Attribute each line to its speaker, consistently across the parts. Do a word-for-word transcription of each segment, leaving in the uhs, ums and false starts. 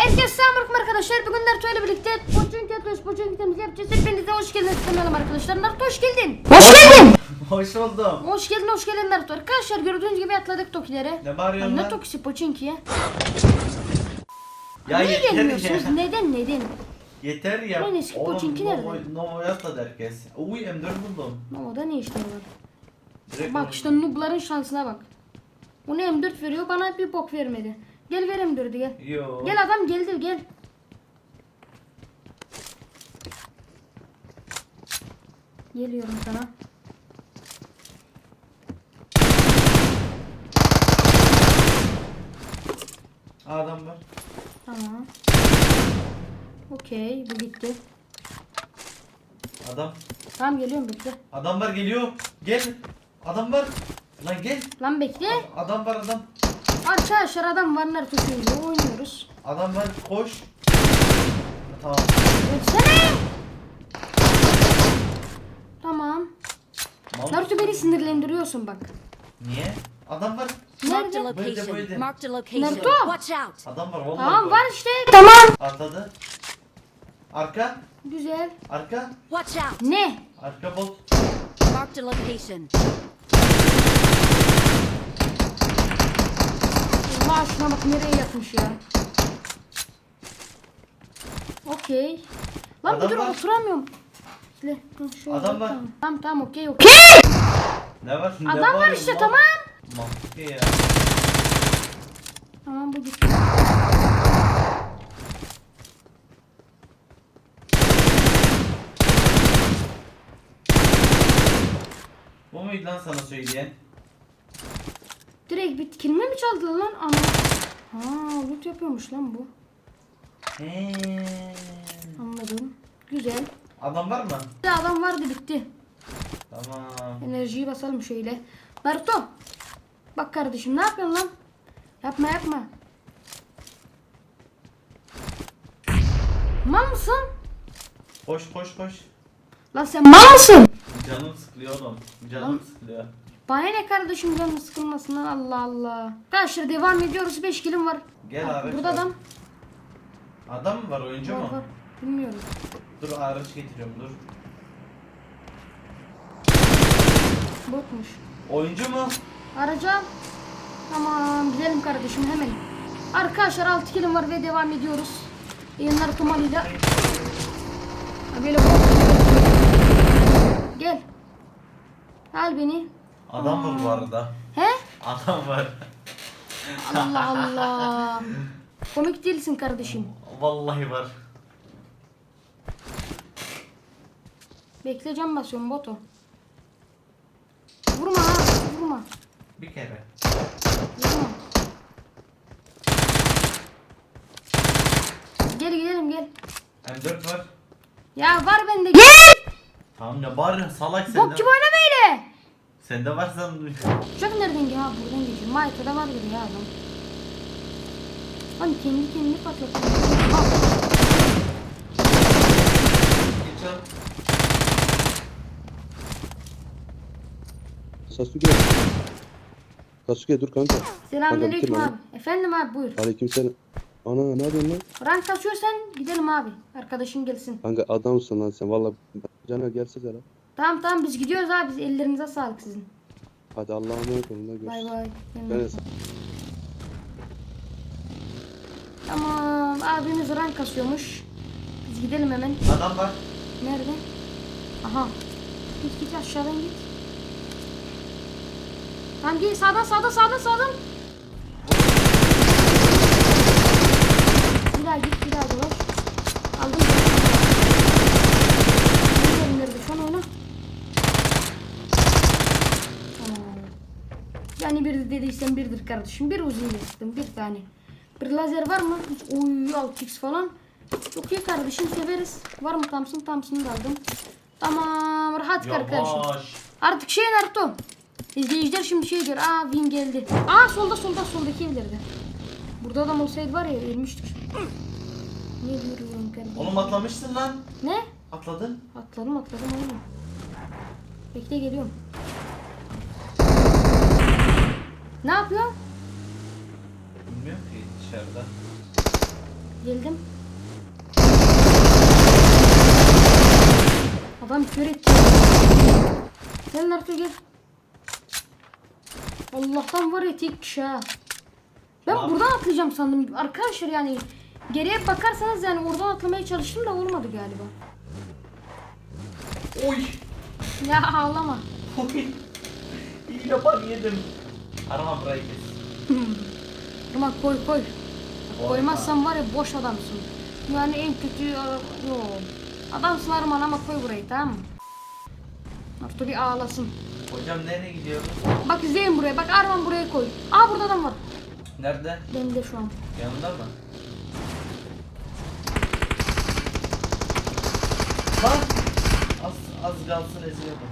Speaker 1: Herkese selamünaleyküm arkadaşlar. Bugün Naruto ile birlikte Poçun Ketlos Poçun kitemizi yapacağız. Hepinize hoş geldiniz istemeyelim arkadaşlar. Naruto hoş geldin. Hoş geldin.
Speaker 2: Hoş buldum.
Speaker 1: Hoş geldin hoş geldin Naruto. Arkadaşlar gördüğünüz gibi atladık Tokilere.
Speaker 2: Ne bağırıyorsun
Speaker 1: Ne
Speaker 2: lan?
Speaker 1: Tokisi Poçinki'ye?
Speaker 2: Ya
Speaker 1: Niye
Speaker 2: yeter
Speaker 1: gelmiyorsunuz?
Speaker 2: ya.
Speaker 1: Neden neden?
Speaker 2: Yeter ya.
Speaker 1: Lan eski Pochinki nerede?
Speaker 2: Novo, Novo'ya atladı herkes. Uy M dört buldum.
Speaker 1: Nova'da ne işleri var?
Speaker 2: Direkt
Speaker 1: Bak
Speaker 2: onu-
Speaker 1: işte noob'ların şansına bak. Ona M dört veriyor bana bir bok vermedi. Gel ver M dördü gel.
Speaker 2: Yo.
Speaker 1: Gel adam geldi gel. Geliyorum sana.
Speaker 2: Adam var.
Speaker 1: Tamam. Okey bu gitti.
Speaker 2: Adam.
Speaker 1: Tamam geliyorum bekle.
Speaker 2: Adam var geliyor. Gel. Adam var. Lan gel.
Speaker 1: Lan bekle.
Speaker 2: Adam var adam.
Speaker 1: Arkadaşlar adam var Naruto söylüyor oynuyoruz.
Speaker 2: Adam var koş. Tamam.
Speaker 1: Ötsene. Tamam.
Speaker 2: Mal
Speaker 1: Naruto beni sinirlendiriyorsun bak.
Speaker 2: Niye? Adam var.
Speaker 3: Marked a
Speaker 1: Nerede?
Speaker 2: Böyle,
Speaker 3: location.
Speaker 2: böyle.
Speaker 3: Marked a location.
Speaker 1: Naruto.
Speaker 3: Watch out.
Speaker 2: Adam var vallahi.
Speaker 1: Tamam
Speaker 2: var.
Speaker 1: var işte. Tamam.
Speaker 2: Atladı. Arka.
Speaker 1: Güzel.
Speaker 2: Arka.
Speaker 3: Watch out.
Speaker 1: Ne?
Speaker 2: Arka bot.
Speaker 3: Marked a location.
Speaker 1: Allah şuna bak nereye yatmış ya. Okey. Lan
Speaker 2: Adam
Speaker 1: bir dur
Speaker 2: var.
Speaker 1: oturamıyorum. Şöyle, hı, şöyle,
Speaker 2: Adam var.
Speaker 1: Tamam tamam, tamam okey okey.
Speaker 2: Ne var? Ne
Speaker 1: Adam var
Speaker 2: bağırıyorsun
Speaker 1: işte
Speaker 2: lan?
Speaker 1: tamam.
Speaker 2: Mantıklı ya.
Speaker 1: Tamam bu gitti.
Speaker 2: Bu muydu lan sana söyleyen?
Speaker 1: Direkt bir kilime mi çaldı lan ama. Ha loot yapıyormuş lan bu.
Speaker 2: He.
Speaker 1: Anladım. Güzel.
Speaker 2: Adam var mı?
Speaker 1: Bir adam vardı bitti.
Speaker 2: Tamam.
Speaker 1: Enerjiyi basalım şöyle. Naruto. Bak kardeşim ne yapıyorsun lan? Yapma yapma. Mal mısın?
Speaker 2: Koş koş koş.
Speaker 1: Lan sen mal mısın?
Speaker 2: Canım sıkılıyor oğlum. Canım
Speaker 1: Lan.
Speaker 2: sıkılıyor.
Speaker 1: Bana ne kardeşim canım sıkılmasın lan Allah Allah. Arkadaşlar devam ediyoruz beş kilim var.
Speaker 2: Gel
Speaker 1: Bak,
Speaker 2: araç
Speaker 1: burada
Speaker 2: var.
Speaker 1: adam.
Speaker 2: Adam mı var oyuncu
Speaker 1: Var,
Speaker 2: mu?
Speaker 1: var. Bilmiyorum.
Speaker 2: Dur araç getiriyorum dur.
Speaker 1: Botmuş.
Speaker 2: Oyuncu mu?
Speaker 1: Araca. Tamam gidelim kardeşim hemen. Arkadaşlar altı kilim var ve devam ediyoruz. Yayınlar kumalıyla. Ha, böyle bot. Gel. Al beni.
Speaker 2: Adam var bu arada.
Speaker 1: He?
Speaker 2: Adam var.
Speaker 1: Allah Allah. Komik değilsin kardeşim.
Speaker 2: Vallahi var.
Speaker 1: Bekle cam basıyorum boto. Vurma ha vurma.
Speaker 2: Bir kere.
Speaker 1: Vurma. Gel gidelim gel.
Speaker 2: M dört var.
Speaker 1: Ya var bende gel.
Speaker 2: Tamam ne var salak sende.
Speaker 1: Bok gibi oynama öyle.
Speaker 2: Sende var sen.
Speaker 1: Uçak nereden geliyor? Ha buradan geçiyor. Mayta'da var gibi ya adam. Hani kendi kendini patlatıyor. Ha.
Speaker 2: Geç al.
Speaker 4: Sasuke. Sasuke dur kanka.
Speaker 1: Selamünaleyküm
Speaker 4: Kanka,
Speaker 1: abi. Efendim abi buyur.
Speaker 4: Aleykümselam. Ana ne yapıyorsun lan?
Speaker 1: Rank kasıyorsan gidelim abi. Arkadaşın gelsin.
Speaker 4: Kanka adamsın lan sen valla. Caner gelsene lan.
Speaker 1: Tamam tamam biz gidiyoruz abi. Biz ellerinize sağlık sizin.
Speaker 4: Hadi Allah'a emanet olun lan
Speaker 1: Bay
Speaker 4: görüşürüz.
Speaker 1: bay.
Speaker 4: Caner,
Speaker 1: Tamam abimiz rank kasıyormuş. Biz gidelim hemen.
Speaker 2: Adam var.
Speaker 1: Nerede? Aha. Git git aşağıdan git. Tamam gel sağdan sağdan sağdan sağdan. Bir daha git bir daha dolaş. Aldım. Nerede nerede şu an oyna. Tamam. Yani bir dediysen birdir kardeşim. Bir uzun sıktım bir tane. Bir lazer var mı? Hiç oy altı x falan. Çok iyi kardeşim severiz. Var mı Thompson? Thompson'ı da aldım. Tamam rahat kar kardeşim.
Speaker 2: Yavaş.
Speaker 1: Artık şey Naruto. İzleyiciler şimdi şey diyor. Aa win geldi. Aa solda solda soldaki evlerde. Burada adam olsaydı var ya ölmüştük. Ne diyorum kardeşim?
Speaker 2: Oğlum atlamışsın lan.
Speaker 1: Ne?
Speaker 2: Atladın.
Speaker 1: Atladım atladım oğlum. Bekle geliyorum. Ne yapıyor?
Speaker 2: Bilmiyorum ki dışarıda.
Speaker 1: Geldim. Adam kör etti. Gel Naruto gel. Allah'tan var ya tek kişi ha. Ben
Speaker 2: Abi.
Speaker 1: buradan atlayacağım sandım. Arkadaşlar yani geriye bakarsanız yani oradan atlamaya çalıştım da olmadı galiba.
Speaker 2: Oy.
Speaker 1: Ya ağlama.
Speaker 2: Oy. İyi yapan yedim. Arama burayı kes.
Speaker 1: Ama koy koy.
Speaker 2: Koy
Speaker 1: Koymazsan var ya boş adamsın. Yani en kötü yo. Adamsın Arman ama koy burayı, tamam mı? Naruto bir ağlasın.
Speaker 2: Hocam nereye gidiyoruz?
Speaker 1: Bak izleyin buraya. Bak Arman buraya koy. Aa burada adam var.
Speaker 2: Nerede?
Speaker 1: Bende şu an.
Speaker 2: Yanında mı? Lan! Az, az kalsın eziyordum.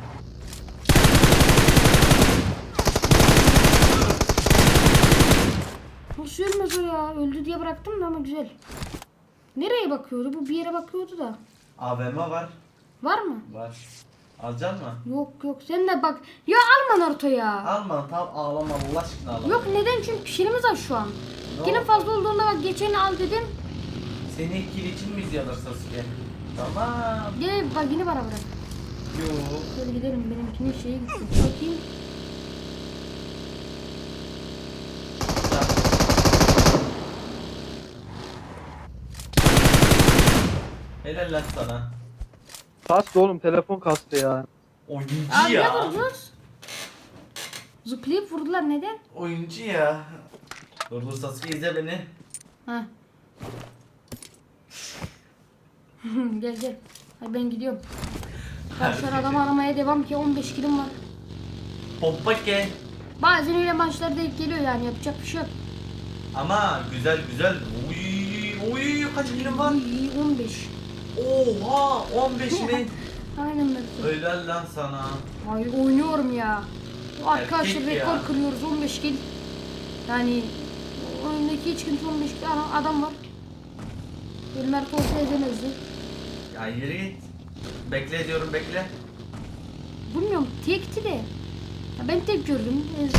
Speaker 1: Nasıl ölmez o ya? Öldü diye bıraktım da ama güzel. Nereye bakıyordu? Bu bir yere bakıyordu da.
Speaker 2: A V M var.
Speaker 1: Var mı?
Speaker 2: Var. Alacaksın mı?
Speaker 1: Yok yok. Sen de bak. Ya alma Naruto ya.
Speaker 2: Alma, tam ağlama, Allah aşkına ağlama.
Speaker 1: Yok neden? Çünkü kişiliğimiz var şu an.
Speaker 2: Ne
Speaker 1: Yine
Speaker 2: oldu?
Speaker 1: fazla olduğunda bak geçeni al dedim.
Speaker 2: Seni ikili için mi izliyorlar Sasuke? Tamam.
Speaker 1: Gel bak yine bana bırak.
Speaker 2: Yok.
Speaker 1: Şöyle gidelim. Benimkinin şeye gitti. Bakayım.
Speaker 2: Helal lan sana.
Speaker 5: Kastı oğlum, telefon kastı ya.
Speaker 2: Oyuncu
Speaker 1: Abi
Speaker 2: ya.
Speaker 1: ne vurdunuz? Zıplayıp vurdular neden?
Speaker 2: Oyuncu ya. Dur dur Sasuke izle beni.
Speaker 1: Ha. Gel gel. Hadi ben gidiyorum. Karşılar adam aramaya devam ki on beş kilim var.
Speaker 2: Pompa ke.
Speaker 1: Bazen öyle maçlarda denk geliyor yani yapacak bir şey yok.
Speaker 2: Ama güzel güzel. Uy uy kaç kilim var?
Speaker 1: İyi on beş.
Speaker 2: Oha on beş mi?
Speaker 1: Aynen böyle.
Speaker 2: Helal lan sana.
Speaker 1: Ay oynuyorum ya. Arkadaşlar
Speaker 2: Erkek
Speaker 1: rekor
Speaker 2: ya.
Speaker 1: kırıyoruz on beş kill. Yani oyundaki hiç kimse on beş kill adam, adam var. Mert olsa edemezdi.
Speaker 2: Ya yürü git. Bekle diyorum bekle.
Speaker 1: Bilmiyorum tekti de. Ya ben tek gördüm. Ezdim.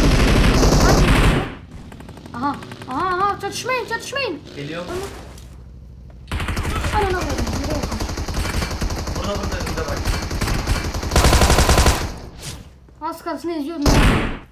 Speaker 1: Aha. Aha aha çatışmayın çatışmayın.
Speaker 2: Geliyor.
Speaker 1: Anana koydum. Nereye koydum?
Speaker 2: Burada burada önünde bak.
Speaker 1: Az kalsın eziyordum ya.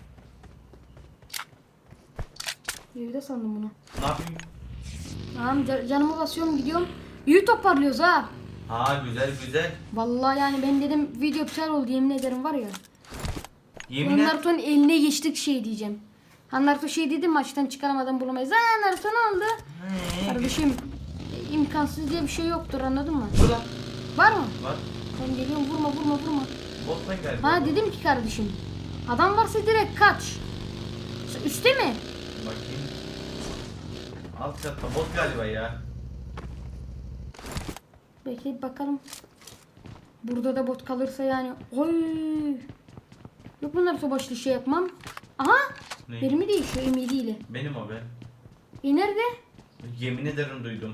Speaker 1: Evde sandım bunu.
Speaker 2: Ne yapayım?
Speaker 1: Tamam ca- canımı basıyorum gidiyorum. İyi toparlıyoruz ha.
Speaker 2: Ha güzel güzel.
Speaker 1: Vallahi yani ben dedim video güzel oldu yemin ederim var ya.
Speaker 2: Yemin et.
Speaker 1: Naruto'nun eline geçtik şey diyeceğim. Ha Naruto şey dedi maçtan çıkaramadan bulamayız. Ha Naruto ne oldu?
Speaker 2: He,
Speaker 1: Kardeşim e, imkansız diye bir şey yoktur anladın mı?
Speaker 2: Burada.
Speaker 1: Var mı?
Speaker 2: Var.
Speaker 1: Ben geliyorum vurma vurma vurma.
Speaker 2: Bottan geldi.
Speaker 1: Ha dedim ki kardeşim. Adam varsa direkt kaç. Üste mi?
Speaker 2: Bakayım. Alt katta bot galiba ya.
Speaker 1: Bekleyip bakalım. Burada da bot kalırsa yani. Oy. Yok bunlar başlı şey yapmam. Aha.
Speaker 2: Ne?
Speaker 1: Mermi değişiyor emidiyle.
Speaker 2: Benim o be.
Speaker 1: E nerede?
Speaker 2: Yemin ederim duydum.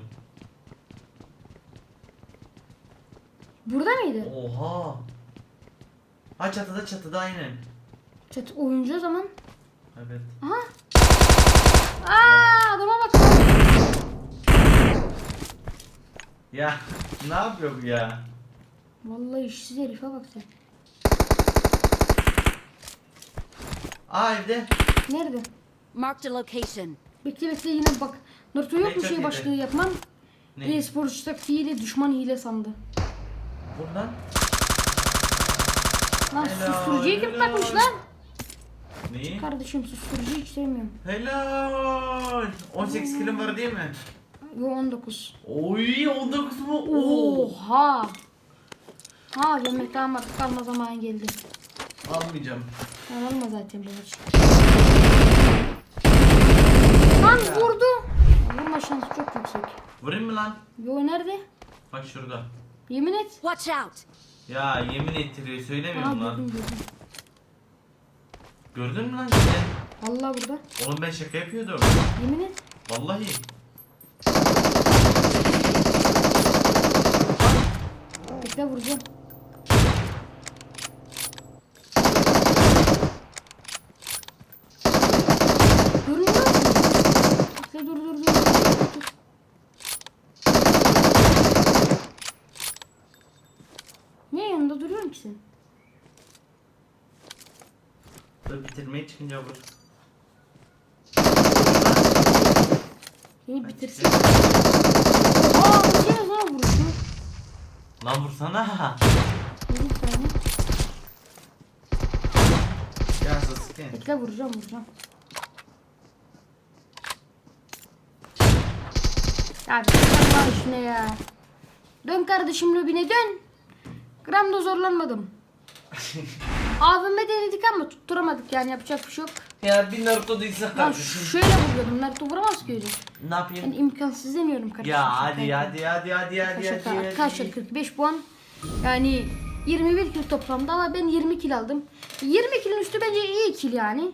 Speaker 1: Burada mıydı?
Speaker 2: Oha. Ha çatıda çatıda aynen.
Speaker 1: Çat oyuncu o zaman.
Speaker 2: Evet.
Speaker 1: Aha. Aa adama bak.
Speaker 2: Ya ne yapıyor bu ya?
Speaker 1: Vallahi işsiz herife bak sen.
Speaker 2: Aa evde.
Speaker 1: Nerede?
Speaker 3: Marked a location.
Speaker 1: Bekle bekle yine bak. Naruto yok
Speaker 2: Ne
Speaker 1: mu
Speaker 2: çok
Speaker 1: şey
Speaker 2: iyi
Speaker 1: başlığı
Speaker 2: be.
Speaker 1: yapmam?
Speaker 2: Ne?
Speaker 1: E-sporcu taktiğiyle düşman hile sandı.
Speaker 2: Buradan.
Speaker 1: Lan
Speaker 2: Helal,
Speaker 1: susturucuyu kim
Speaker 2: helal.
Speaker 1: takmış lan?
Speaker 2: Neyi?
Speaker 1: Kardeşim susturucuyu hiç sevmiyorum.
Speaker 2: Helal. on sekiz kilim var değil mi?
Speaker 1: Yo on dokuz.
Speaker 2: Oy on dokuz mu? Oo.
Speaker 1: Oha. Ha yemek damat kalma zamanı geldi.
Speaker 2: Almayacağım.
Speaker 1: Ben alma zaten bu maç. Lan vurdu. Vurma şansı çok yüksek.
Speaker 2: Vurayım mı lan?
Speaker 1: Yo nerede?
Speaker 2: Bak şurada.
Speaker 1: Yemin et.
Speaker 3: Watch out.
Speaker 2: Ya yemin ettiriyor
Speaker 1: Aa
Speaker 2: söylemiyorum lan.
Speaker 1: gördüm gördüm.
Speaker 2: Gördün mü lan sen?
Speaker 1: Vallahi burada.
Speaker 2: Oğlum ben şaka yapıyordum.
Speaker 1: Yemin et.
Speaker 2: Vallahi.
Speaker 1: Bekle vuracağım. Görünüyor mu? Bekle dur dur dur. dur. ki sen?
Speaker 2: Dur bitirmeye çıkınca vur.
Speaker 1: Seni bitirsin. Aa bu şey ne lan vuruşu?
Speaker 2: Lan vursana.
Speaker 1: Bir tane.
Speaker 2: Ya Sasuke.
Speaker 1: Bekle vuracağım vuracağım. Ya bir Allah işine ya. Dön kardeşim lobine dön. Gram da zorlanmadım. A V M denedik ama tutturamadık yani yapacak bir şey yok.
Speaker 2: Ya bir Naruto değilse
Speaker 1: Lan
Speaker 2: kardeşim.
Speaker 1: şöyle vuruyordum. Naruto vuramaz ki öyle.
Speaker 2: Ne yapayım?
Speaker 1: Yani imkansız demiyorum kardeşim.
Speaker 2: Ya
Speaker 1: şaka
Speaker 2: hadi
Speaker 1: yapıyorum.
Speaker 2: hadi hadi hadi hadi
Speaker 1: Şaka
Speaker 2: hadi
Speaker 1: şaka.
Speaker 2: hadi.
Speaker 1: Arkadaşlar kırk beş puan. Yani yirmi bir kill toplamda ama ben yirmi kill aldım. yirmi killin üstü bence iyi kill yani.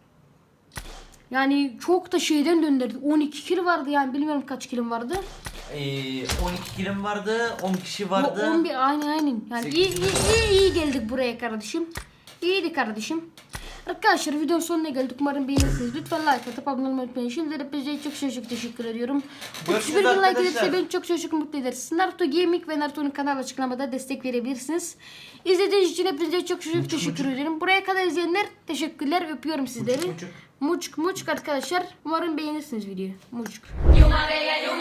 Speaker 1: Yani çok da şeyden döndürdük. on iki kill vardı yani bilmiyorum kaç killim vardı.
Speaker 2: Ee, on iki kilim vardı, on kişi
Speaker 1: Yo,
Speaker 2: vardı.
Speaker 1: on bir aynen aynen. Yani iyi, iyi, iyi, iyi geldik buraya kardeşim. İyiydi kardeşim. Arkadaşlar videonun sonuna geldik. Umarım beğenirsiniz. Lütfen like atıp abone olmayı unutmayın. Şimdiden hepinize çok çok çok teşekkür ediyorum.
Speaker 2: Görüşürüz
Speaker 1: otuz bir bin like
Speaker 2: arkadaşlar.
Speaker 1: gelirse beni çok çok çok mutlu ederiz. Naruto Gaming ve Naruto'nun kanal açıklamada destek verebilirsiniz. İzlediğiniz için hepinize çok çok çok teşekkür ederim. Buraya kadar izleyenler teşekkürler. Öpüyorum sizleri.
Speaker 2: muçuk.
Speaker 1: Muçuk muçuk arkadaşlar. Umarım beğenirsiniz videoyu. Muçuk.
Speaker 6: Yuma bella, yuma